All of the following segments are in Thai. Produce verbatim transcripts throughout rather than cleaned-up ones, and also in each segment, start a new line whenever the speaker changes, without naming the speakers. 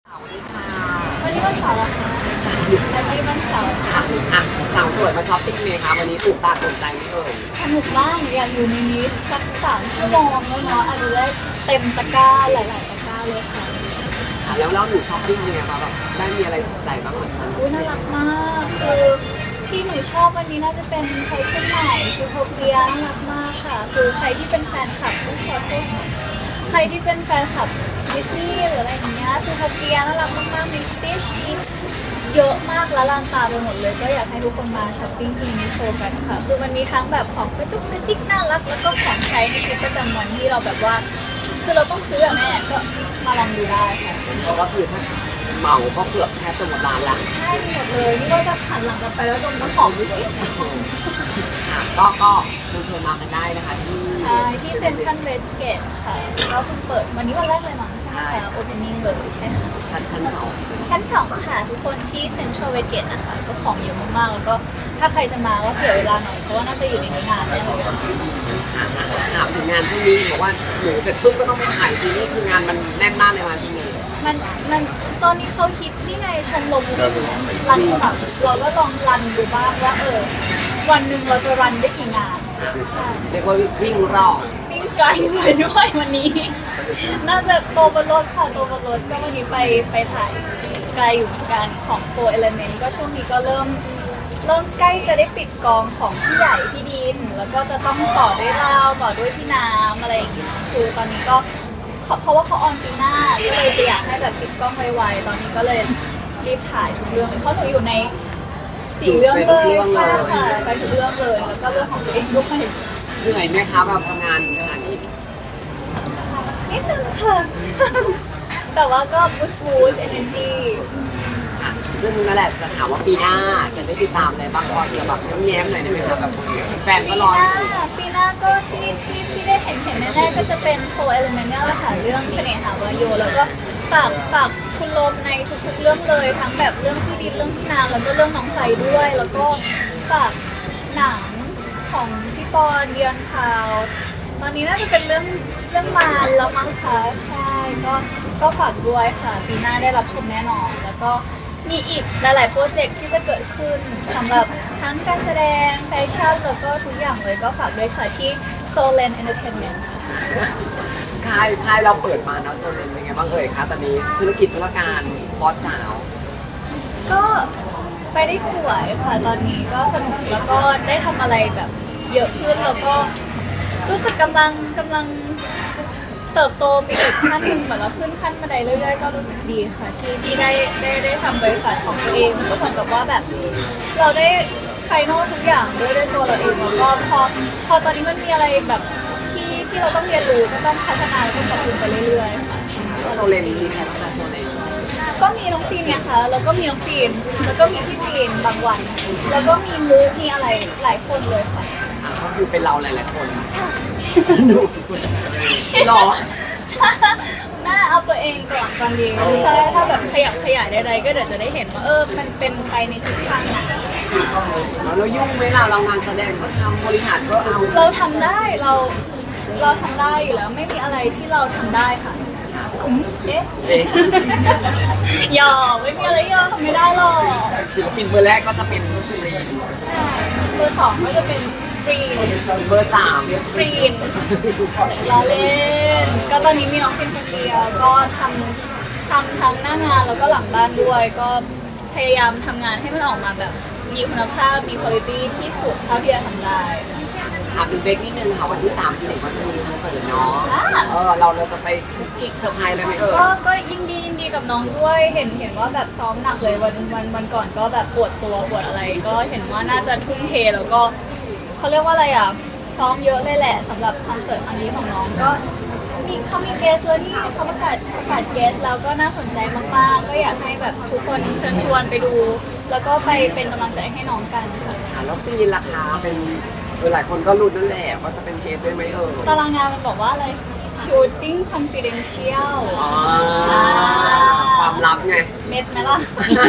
สวัสดีค่ะ
วันนี้วันเสาร์เหรอคะวันนี้วันเสาร์
ค่ะอ่ะสาวสวยมาช้อปปิ้งไหมคะวันนี้ถูกตาถูกใจไหมเอ่ย
สนุกมากอยากอยู่ในนี้สักสามชั่วโมงแล้วเนาะอาจจะได้เต็มตะกร้าหลายๆตะกร้าเลยค่ะ
ค่ะแล้วแล้วหนูช้อปปิ้งยังไงคะแบบได้มีอะไรถูกใจบ้างไหมคะ
อุ้ยน่ารักมากคือที่หนูชอบวันนี้น่าจะเป็นไคลเทนใหม่ซูโทเปียน่ารักมากค่ะคือใครที่เป็นแฟนคลับก็ขอโทษใครที่เป็นแฟนคลับดิสนีย์หรืออะไรอย่างเงี้ยซูโทเปียน่ารักมากๆมีสติชมีเยอะมากและลานตาไปหมดเลยก็อยากให้ทุกคนมาช้อปปิ้งที่มิโซกันค่ะคือมันมีทั้งแบบของกระจุกกระจิกน่ารักแล้วก็ของใช้ในชีวิตประจำวันที่เราแบบว่าคือเราต้องซื้ออะแม่ก็มาลองดูได้ค่ะ
ก็คือถ้าเหมาก็เกือบแทบจะหมดร้านละ
ใช่หมดเลยนี่ก็จะหันหลังกลับไปแล้วดมน้ำหอมดูสิ
ค่ะก็ก็เชิญชวนมากันได้นะคะที่
ใช่ที่เซ็นทรัลเวสเกตค่ะก็เพิ่งเปิดวันนี้วันแรกเลยมั้งใช่ไหมคะโอเพนนิ่งเลยใช่ค่ะ
ชั้นชั้นสอง
ชั้นสองค่ะทุกคนที่เซ็นทรัลเวสเกตนะคะก็ของเยอะมากๆแล้วก็ถ้าใครจะมาก็เผื่อเวลาหน่อยเพราะว่าน่าจะอยู่ในนี้นานแน่เลย
ค่ะถามถึงงานที่นี้บอกว่าหนูเสร็จปุ๊บก็ต้องไปถ่ายซีรีส์คืองานมันแน่นมากในวันที่นี้
มันมันตอนนี้เขาคิดนี่ไงชมรมรันแบบเราก็ลองรันดูบ้างว่าเออวันหนึ่งเราจะรันได้กี่งานใช่
เรียกว่าวิ่งรอบ
วิ่งไกลเลยด้วยวันนี้ น่าจะโตบนรถค่ะโตบนรถก็วันนี้ไปไปถ่ายไกลอยู่เหมือนกันของโฟร์เอลเมนต์ก็ช่วงนี้ก็เริ่มเริ่มใกล้จะได้ปิดกองของพี่ใหญ่พี่ดิน แล้วก็จะต้องต่อด้วยราวต่อด้วยพี่น้ำอะไรอย่างเงี้ยคือตอนนี้ก็เพราะว่าเขาออนปีหน้าก็เลยจะอยากให้แบบปิดกล้องไวๆตอนนี้ก็เลยรีบถ่ายทุกเรื่องเลยเพราะหนูอยู่ในสี่เรื่องเลยใช่ค่ะไปทุกเรื่องเลยแล้วก็เรื่องของตัวเองด้วย
เหนื่อยไหมคะแบบทำงานขนาดนี้
นิดนึงค่ะ แต่ว่าก็บูสต์บูสต์เอเนจี
ค่ะซึ่งนั่นแหละจะถามว่าปีหน้าจะได้ติดตามอะไรบ้างก็เดี๋ยวแบบแย้มๆหน่อยได้ไหมคะแบบแฟน
ปี
ก็
ห
รอ
น้าปีหน้าก็ที่ที่ที่ได้เห็นเห็นแน่ๆก็จะเป็นโฟร์เอลเมนต์นี่แหละค่ะเรื่องเสน่หาวาโยแล้วก็ฝากฝากคุณลมในทุกๆเรื่องเลยทั้งแบบเรื่องพี่ดินเรื่องพี่นางแล้วก็เรื่องน้องไฟด้วย แล้วก็ฝากหนังของพี่ปอนเดียนคาวตอนนี้น่าจะเป็นเรื่องเรื่องมารแล้วมั้งคะใช่ก็ก็ฝากด้วยค่ะปีหน้าได้รับชมแน่นอนแล้วก็มีอีกหลายๆโปรเจกต์ที่จะเกิดขึ้นสำหรับทั้งการแสดงแฟชั่นแล้วก็ทุกอย่างเลยก็ฝากด้วยค่ะที่ Solen Entertainment ค่ะ
ค่ายค่ายเราเปิดมาเนาะโซนเป็นยังไงบ้างเอ่ยคะตอนนี้ธุรกิจธุรการบอสสาว
ก็ไปได้สวยค่ะตอนนี้ก็สนุกแล้วก็ได้ทำอะไรแบบเยอะขึ้นแล้วก็รู้สึกกำลังกำลังเติบโตไปอีกขั้นหนึ่งเหมือนเราขึ้นขั้นบันไดเรื่อยๆก็รู้สึกดีค่ะที่ที่ได้ได้ได้ทำบริษัทของตัวเองก็เหมือนกับว่าแบบเราได้ไฟนอลทุกอย่างด้วยด้วยตัวเราเองแล้วก็พอพอตอนนี้มันมีอะไรแบบที่ที่เราต้องเรียนรู้ก็ต้องพัฒนาแล้วก็ปรับปรุงไปเรื่อยๆค่ะ
โซเลนมีใครบ้างคะโซเลน
ก็มีน้องฟีนเนี่ยค่ะแล้วก็มีน้องฟีนแล้วก็มีพี่ฟีนบางวัน แล้วก็มีมูฟมีอะไรหลายคนเลยค่ะ
อ่ะก็คือเป็นเราหลายๆคนดูหรอ
น่าเอาตัวเองก่อนตอนนี้ใช่ถ้าแบบขยับขยายใดๆก็เดี๋ยวจะได้เห็นว่าเออมันเป็นไปในทิศทางไหน
แล้วยุ่งไหมล่ะเรางานแสดงก็ทำบริหารก็เอา
เราทำได้เราเราทำได้อยู่แล้วไม่มีอะไรที่เราทำได้ค่ะอืมเอ๊ะ
เอ๊ะ
ยอมไม่มีอะไรที่เราทำไม่ได้หรอก
ศิลปินเบอร์แรกก็จะเป็นสุรี
ใช่เบอร์สองก็จะเป็นฟรี
เบอร์สาม
ฟรีนล้อเล่นก็ตอนนี้มีน้องเป็นคนเดียวก็ทำทำทั้งหน้างานแล้วก็หลังบ้านด้วย ก็พยายามทำงานให้มันออกมาแบบมีคุณภาพมีคุณภาพที่สุดเท่าที่จะทำได้
อ่ะเป็นเบรกนิดนึงค่ะวันที่สามที่เด็กก็จะมีคอนเสิร์ตเนาะ
อ่า
เออเราเราจะไปคุกกิ๊กเซอร์ไพรส์เลยไหมเอ่ย
ก็ก็ยินดียินดีกับน้องด้วยเห็นเห็นว่าแบบซ้อมหนักเลยวันวันวันก่อนก็แบบปวดตัวปวดอะไร ก็เห็นว่าน่าจะทุ่มเทแล้วก็เขาเรียกว่าอะไรอ่ะซ้อมเยอะเลยแหละสำหรับคอนเสิร์ตครั้งนี้ของน้องก็มีเขามีเกสเลยที่เขาประกาศประกาศเกสแล้วก็น่าสนใจมากๆก็อยากให้แบบทุกคนเชิญชวนไปดู แล้วก็ไปเป็นกำลังใจให้น้องกันค่ะ
ค่ะแล้วฟีนราคาเป็นเออหลายคนก็รุ้นนั่นแหละว่าจะเป็นเคสด้วยไหมเอ่ย
ตารางงานมันบอกว่าอะไร shooting confidential
อ๋อความลับไง
เม็ดไหมล่ะ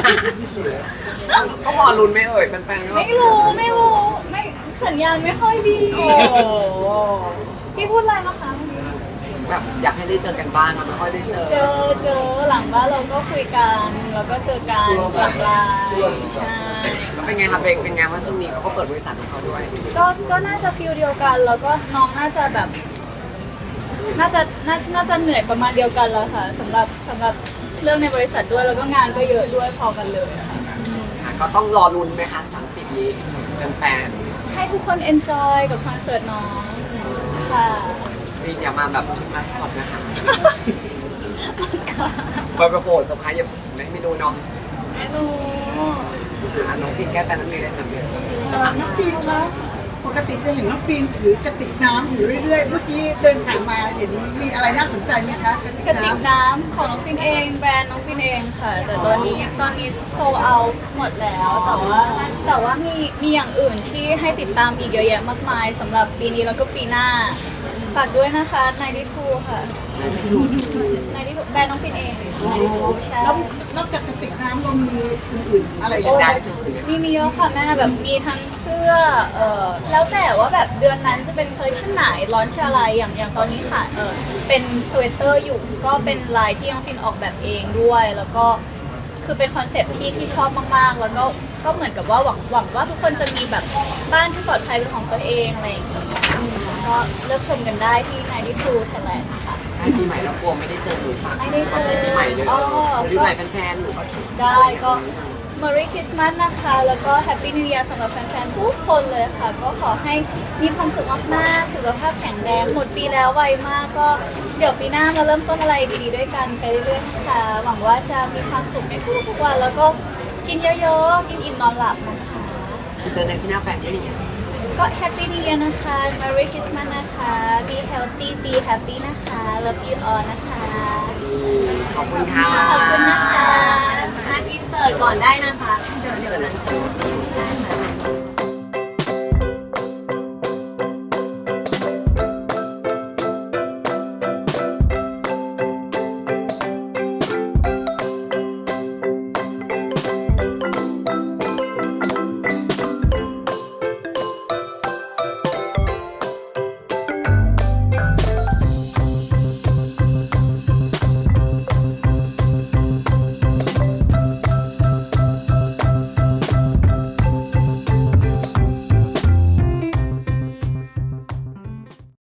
ก็พอลุ้นไหม่เอ่ยแฟนๆก็
ไม่รู้ไม่รู้ไม่สัญญาณไม่ค่อยดี
โอ้โห
พี่พูดอะไรนะคะ
แบบอยากให้ได้เจอกันบ้างอะไม่ค่อยได้เจอ
เจอเจอหลังบ้านเราก็คุยกันแล้วก็เจอกันหลังไลน์ใช่
แล้วเป็นไงครับเบงเป็นไงว่าช่วงนี้เขาก็เปิดบริษัทของเขาด้วย
ก็ก็น่าจะฟิลเดียวกัน แล้วก็น้องน่าจะแบบ น่าจะน่าน่าจะเหนื่อยประมาณเดียวกันแล้วค่ะสำหรับสำหรับเรื่องในบริษัทด้วยแล้วก็งานก็เยอะด้วยพอกันเลยค่ะ
ค่ะก็ต้องรอลุ้นไหมคะสามสิบนี้เป็นแฟน
ให้ทุกคนเอนจอยกับคอนเสิร์ตน้องค่ะ
วีอย่ามาแบบชุดมาสคอตนะคะไปประโผล่สะพายยังไม่ไม่รู้เนาะ
ไม่รู้
อ่ะน้องพิงแก้แฟนนักเรียนได้ทำเนี่ย
เอ่อน้องฟิล์มคะปกติจะเห็นน้องฟิล์มถือกระติกน้ำอยู่เรื่อยๆ เมื่อกี้เดินผ่านมาเห็นมีอะไรน่าสนใจไหมคะกระติก
กระติ
น้
กน้ำของน้องฟินเองแบรนด์น้องฟินเองค่ะ แต่ตอนนี้ตอนนี้โซเอาหมดแล้วแต่ว่าแต่ว่ามีมีอย่างอื่นที่ให้ติดตามอีกเยอะแยะมากมายสำหรับปีนี้แล้วก็ปีหน้าฝากด้วยนะคะไนที่ทูค่ะ
นั่นจะถูก
ไนที่ทูแบรนด์น้องฟินเองไนที่ทูใช่
ำแล้วนอกจากกระติกน้ำเรามีอื่นๆอะไร
ใช้
อีก
ได้
ไหม
สุดเลย
มีมีเยอะค่ะแม่แบบมีทั้งเสื้อเออแล้วแต่ว่าแบบเดือนนั้นจะเป็นคอลเลคชันไหนร้อนชอะไรอย่างอย่างตอนนี้ค่ะเออเป็นสเวตเตอร์อยู่ก็เป็นลายที่น้องฟินออกแบบเองด้วย แล้วก็คือเป็นคอนเซ็ปต์ที่ที่ชอบมากๆ แล้วก็ก็เหมือนกับว่าหวังหวังว่าทุกคนจะมีแบบบ้านที่ปลอดภัยเป็นของตัวเองอะไรอย่างนี้อืมก็เลือกชมกันได้ที่ไนที่ทูไทยแลนด์ค่ะ
ใกล้ปีใหม่แล้วกลัวไม่ได้เจอหนูฝาก
ไม่ได้เจอ
ปีใหม่เลย
อ๋อ
ปีใหม่แฟนๆหนูก็
ได้ก็ Merry Christmas นะคะ แล้วก็ Happy New Year สำหรับแฟนๆ ทุกคนเลยค่ะ ก็ขอให้มีความสุขมากๆ สุขภาพแข็งแรง หมดปีแล้วไวมาก ก็เดี๋ยวปีหน้ามาเริ่มต้นอะไรดีๆ ด้วยกันไปเรื่อยๆนะคะ หวังว่าจะมีความสุขในทุกๆวัน แล้วก็กินเยอะๆ กินอิ่มนอนหลับนะคะ
อินเตอร์เนชั่นแนลแฟนเยอะอย่างเงี้ย
ก็ Happy New Year นะคะ Merry Christmas นะคะ Be healthy Be happy นะคะ Love you all นะคะ
ขอบคุณค่ะ
ขอบคุณนะคะ
อันอินเสิร์ตก่อนได้นะคะ
เสร็จแล้ว